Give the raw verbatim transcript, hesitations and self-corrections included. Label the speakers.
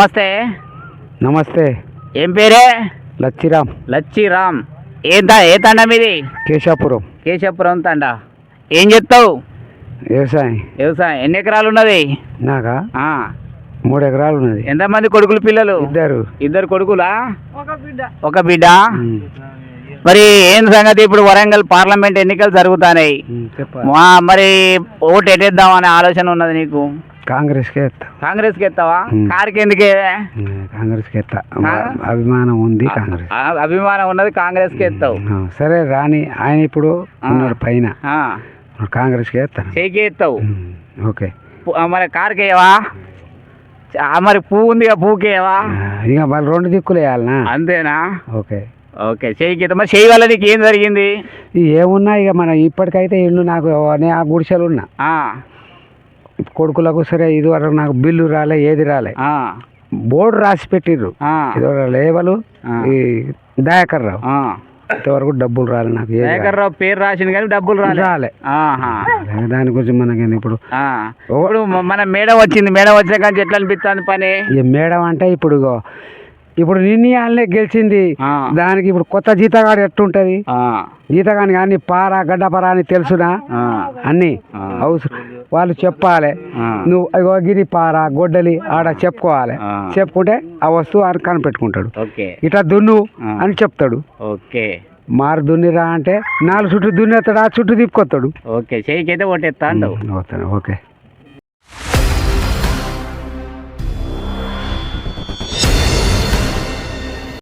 Speaker 1: నమస్తే.
Speaker 2: నమస్తే.
Speaker 1: ఏం పేరే?
Speaker 2: లచ్చిరామ్.
Speaker 1: లచ్చిరామ్. ఏ తా ఏ తండ మీది?
Speaker 2: కేశాపురం.
Speaker 1: కేశపురం తండ. ఏం చెప్తావు?
Speaker 2: వ్యవసాయం.
Speaker 1: వ్యవసాయం. ఎన్ని ఎకరాలు ఉన్నది?
Speaker 2: నాకా
Speaker 1: ఆ,
Speaker 2: మూడు ఎకరాలు ఉన్నది.
Speaker 1: ఎంతమంది కొడుకులు పిల్లలు?
Speaker 2: ఇద్దరు.
Speaker 1: ఇద్దరు కొడుకులా?
Speaker 3: ఒక బిడ్డ.
Speaker 1: ఒక బిడ్డ.
Speaker 2: ఉమ్,
Speaker 1: మరి ఏం సంగతి? ఇప్పుడు వరంగల్ పార్లమెంట్ ఎన్నికలు జరుగుతున్నాయి.
Speaker 2: ఉమ్, చెప్పాలి.
Speaker 1: మా- మరి ఓటు ఎట్టేద్దాం అనే ఆలోచన ఉన్నది నీకు?
Speaker 2: కాంగ్రెస్కే ఎత్తా.
Speaker 1: కాంగ్రెస్కి ఎత్తావా?
Speaker 2: ఉమ్.
Speaker 1: కారుకి ఎందుకే?
Speaker 2: ఉమ్, కాంగ్రెస్కి ఎత్తా.
Speaker 1: ఆ?
Speaker 2: అభిమానం ఉంది కాంగ్రెస్.
Speaker 1: ఆ, అభిమానం ఉన్నది కాంగ్రెస్కి ఎత్తావు.
Speaker 2: ఆ, సరే రాని ఆయన ఇప్పుడు ఉన్నాడు పైన.
Speaker 1: ఆ,
Speaker 2: కాంగ్రెస్కి ఎత్తాను.
Speaker 1: చేయికి ఎత్తావు.
Speaker 2: Um, okay.
Speaker 1: పు- ఆ, మరి కారుకి వేయవా? ఆ, మరి పువ్వు ఉందిగా, పువ్వుకి వేయవా?
Speaker 2: ఆ, ఇక వాళ్ళు రెండు దిక్కులు వేయాలనా?
Speaker 1: అంతేనా?
Speaker 2: ఓకే.
Speaker 1: ఓకే, చేయికి ఎత్తా. మరి చేయి వల్ల నీకు ఏం జరిగింది?
Speaker 2: ఇక ఏమున్నా ఇక మన ఇప్పటికైతే ఇల్లు నాకు నేను ఆ గుడిసెలు ఉన్నా
Speaker 1: ఆ,
Speaker 2: కొడుకులకు. సరే ఇదివరకు నాకు బిల్లు రాలే, ఏది రాలే.
Speaker 1: ఆ,
Speaker 2: బోర్డు రాసి పెట్టిర్రు.
Speaker 1: ఆ,
Speaker 2: ఇదివరకు లేవలు
Speaker 1: ఆ.
Speaker 2: ఈ దయాకర్ రావు
Speaker 1: ఆ.
Speaker 2: ఇంతవరకు డబ్బులు రాలే నాకు. ఏది రాలే.
Speaker 1: శేఖర్ రావు పేరు రాసింది కానీ డబ్బులు రాలే.
Speaker 2: రాలే.
Speaker 1: ఆహా.
Speaker 2: దాని గురించి మనకి ఇప్పుడు
Speaker 1: ఆ. ఇప్పుడు మ- మన మేడం వచ్చింది. మేడం వచ్చిన కానీ ఎట్లా అనిపిస్తుంది పని?
Speaker 2: ఈ మేడం అంటే ఇప్పుడు ఇగో ఇప్పుడు నిర్ణయాలనే గెలిచింది.
Speaker 1: ఆ.
Speaker 2: దానికి ఇప్పుడు కొత్త జీతగాడు ఎట్టుంటది?
Speaker 1: ఆ,
Speaker 2: జీతగాని కానీ పార గడ్డపర అని తెలుసునా?
Speaker 1: ఆ,
Speaker 2: అన్ని
Speaker 1: ఆ.
Speaker 2: అవసరం వాళ్ళు చెప్పాలి.
Speaker 1: ఆ.
Speaker 2: నువ్వు అగో గిరి పార గొడ్డలి ఆడ చెప్పుకోవాలి.
Speaker 1: ఆ.
Speaker 2: చెప్పుకుంటే ఆ వస్తువు అని కనిపెట్టుకుంటాడు.
Speaker 1: ఓకే.
Speaker 2: ఇట్లా దున్ను
Speaker 1: ఆ.
Speaker 2: అని చెప్తాడు.
Speaker 1: ఓకే.
Speaker 2: మారు దున్నిరా అంటే నాలుగు చుట్టూ దున్నేస్తాడు, ఆ చుట్టూ తిప్పుకొస్తాడు.
Speaker 1: ఓకే, చేయికి అయితే ఓటేస్తా అంటావు.
Speaker 2: ఓకే.